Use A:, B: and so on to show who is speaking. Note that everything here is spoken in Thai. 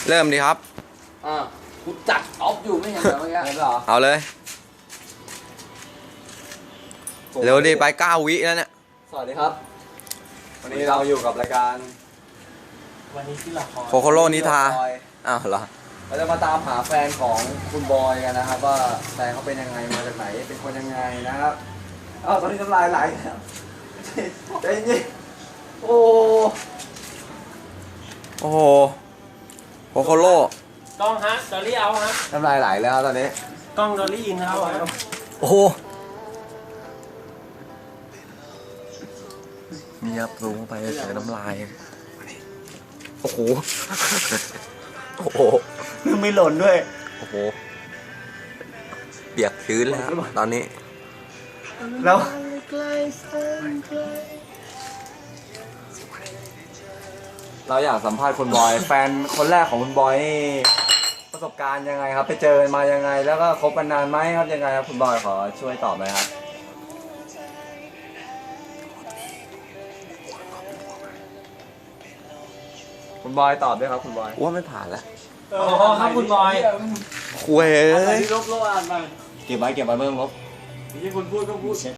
A: เริ่มดีครับ
B: กูจัดออฟอยู่ไม่เห็นเหรอเมื่อกี้เหรอ
A: เอาเลย เร็วดิไป9 วิแล้วเนี่ย
B: สวัสดีครับ วันนี้เราอยู่กับรายการ
C: วันนี้ที่ละคร
A: โคโคโรนิทา อ้าวเหรอ
B: เราจะมาตามหาแฟนของคุณบอยกันนะครับ ว่าแฟนเขาเป็นยังไงมาจากไหนเป็นคนยังไงนะครับตอนนี้น้ำลายไหลแล้วใจเย็นโอ้
A: โอ้โหโคโคโร
C: กล้องฮะดอลลี่เอาฮะ
B: น้ำลายไหลแล้วตอนนี้
C: กล้องดอลลี่อินเอาฮะ
A: โอ้โหนี่ครับลงไปเสียน้ำลาย โอ้โห โอ้โห
B: ไม่หล่นด้วย
A: โอ้โห เปียกชื้นแล้วตอนนี้
B: แล้วเราอยากสัมภาษณ์คุณบอย แฟนคนแรกของคุณบอยนี่ประสบการณ์ยังไงครับ ไปเจอมายังไง แล้วก็คบกันนานไหมครับยังไงครับคุณบอยขอช่วยตอบหน่อยครับคุณบอยตอบด้วยครับคุณบอย
A: ว่าไม่ผ่านแล้ว
C: โอ้โหครับคุณบอย
A: คุยเอ้ย
C: ที่ลบโลอ่านมา
B: เก็บไว้เพิ่มครับ
C: ที่คุณพูดก็พูด